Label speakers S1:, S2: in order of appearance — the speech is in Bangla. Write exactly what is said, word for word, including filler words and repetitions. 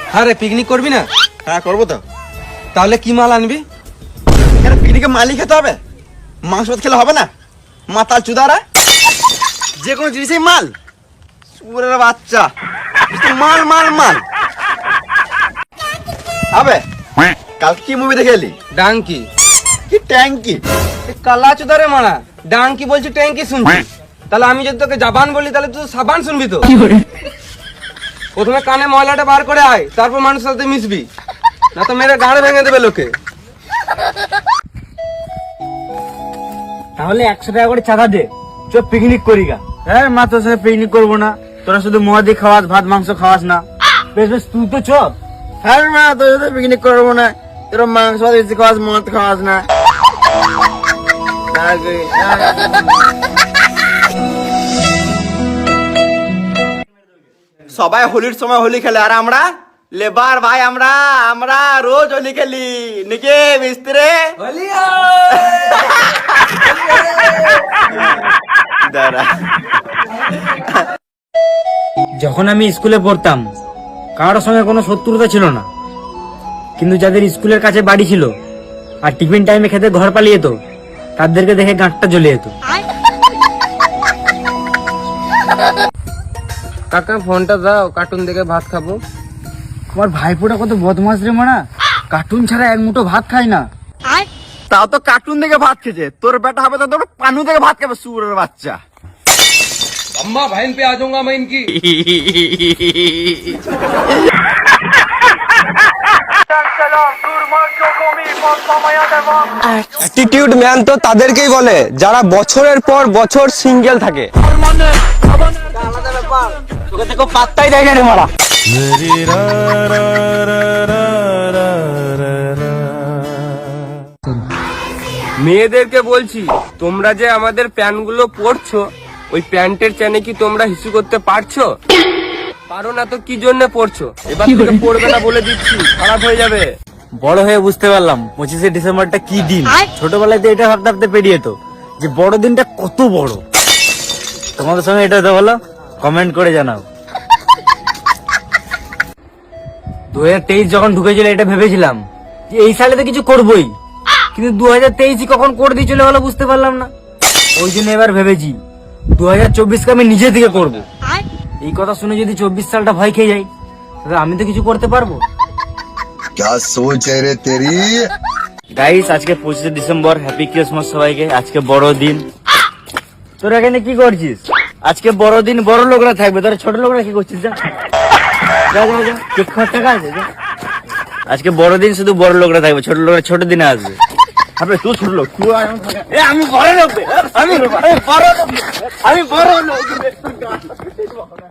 S1: আরে পিকনিক করবি না?
S2: হ্যাঁ করবো তো।
S1: তাহলে কি মাল আনবি?
S2: কেন পিকনিকে মালই খেতে হবে? মাংস ভাত খেলে হবে না? মাতাল চুদারা যে কোনো জিনিসই মাল। সুরের বাচ্চা মাল মাল মাল হবে। কাল কি মুভি দেখে এলি?
S1: ডাঙ্কি।
S2: কি ট্যাঙ্কি?
S1: কালা চুদারে মারা, ডাঙ্কি বলছি ট্যাঙ্কি শুনছি। তাহলে আমি যদি তোকে জাবান বলি তাহলে তুই সাবান শুনবি তো? প্রথমে কানে ময়লাটা বার করে আয়, তারপর মানুষের সাথে মিশবি, না তো মেরে গাড়ে ভেঙে দেবে লোকে।
S3: তাহলে একশো টাকা করে চাঁদা দে, চ পিকনিক করি গা। হ্যাঁ মা, তোর সাথে পিকনিক করবো না? তোরা শুধু মহাদি খাওয়াস, ভাত মাংস খাওয়াস না। বেশ বেশ, তুই তো চ।
S2: হ্যাঁ মা, তোর সাথে পিকনিক করবো না। তোর মাংস ভাত বেশি খাওয়াস, মদ খাওয়াস না। সবাই হোলির সময় হোলি খেলে, আর আমরা লেবার ভাই, আমরা আমরা রোজ হোলি খেলি নাকি মিস্ত্রি?
S3: যখন আমি স্কুলে পড়তাম কারোর সঙ্গে কোনো শত্রুতা ছিল না, কিন্তু যাদের স্কুলের কাছে বাড়ি ছিল আর টিফিন টাইমে খেতে ঘর পালিয়ে যেত, তাদেরকে দেখে গাঁটটা জ্বলে যেত।
S1: কাকা ফোনটা দাও, কার্টুন দেখে ভাত খাবো।
S3: আমার ভাইপোটা কত বদমাস রে মানা, কার্টুন ছাড়া এক মুঠো ভাত খায় না।
S2: তাও তো কার্টুন দেখে ভাত খেয়েছে, তোর বেটা হবে তো তোর পানু দেখে ভাত খাবে সুরের বাচ্চা।
S1: अम्मा बहन पे आ जाऊंगा मैं इनकी।
S4: অ্যাটিটিউড ম্যান তো তাদেরকেই বলে যারা বছরের পর বছর সিঙ্গেল থাকে।
S3: তোকে দেখো পাত্তাই দেয় না রে মারা।
S1: মেয়েদেরকে বলছি, তোমরা যে আমাদের প্যান্টগুলো পরছো, ওই প্যান্টের চেনে কি তোমরা হিসু করতে পারছো? পারো না তো কি জন্য পড়ছো? এবার থেকে পড়বে না বলে দিচ্ছি, খারাপ হয়ে যাবে।
S3: বড় হয়ে বুঝতে পারলাম পঁচিশে ডিসেম্বরটা কি দিন। ছোটবেলায় তো এটা ভাবতে ভাবতে পেরিয়ে যেত যে বড় দিনটা কত বড়। তোমাদের সঙ্গে এটা তো বলো, কমেন্ট করে জানাও। দু হাজার তেইশ যখন ঢুকেছিল এটা ভেবেছিলাম যে এই সালে তো কিছু করবোই, কিন্তু দু হাজার তেইশই কখন করে দিয়ে চলে গেলো বুঝতে পারলাম না। ওই জন্য এবার ভেবেছি দু হাজার চব্বিশকে আমি নিজে থেকে করবো। এই কথা শুনে যদি চব্বিশ সালটা ভয় খেয়ে যাই, তাহলে আমি তো কিছু করতে পারবো।
S5: क्या सोच है रे तेरी?
S3: গাইস, আজকে পঁচিশে ডিসেম্বর, হ্যাপি ক্রিসমাস সবাইকে। আজকে বড় দিন। তোরা এখানে কি করছিস? আজকে বড় দিন, বড় লোকরা থাকবে, তোরা ছোট লোকরা কি করছিস? যা যা যা যা, কেক খাওয়ার টাকা আছে যা। আজকে বড় দিন, শুধু বড় লোকরা থাকবে, ছোট লোকরা ছোট দিনে আসবে। আরে তুই ছোট লোক, তুই আমি বড় লোক, আমি বড় লোক, আমি বড় লোক।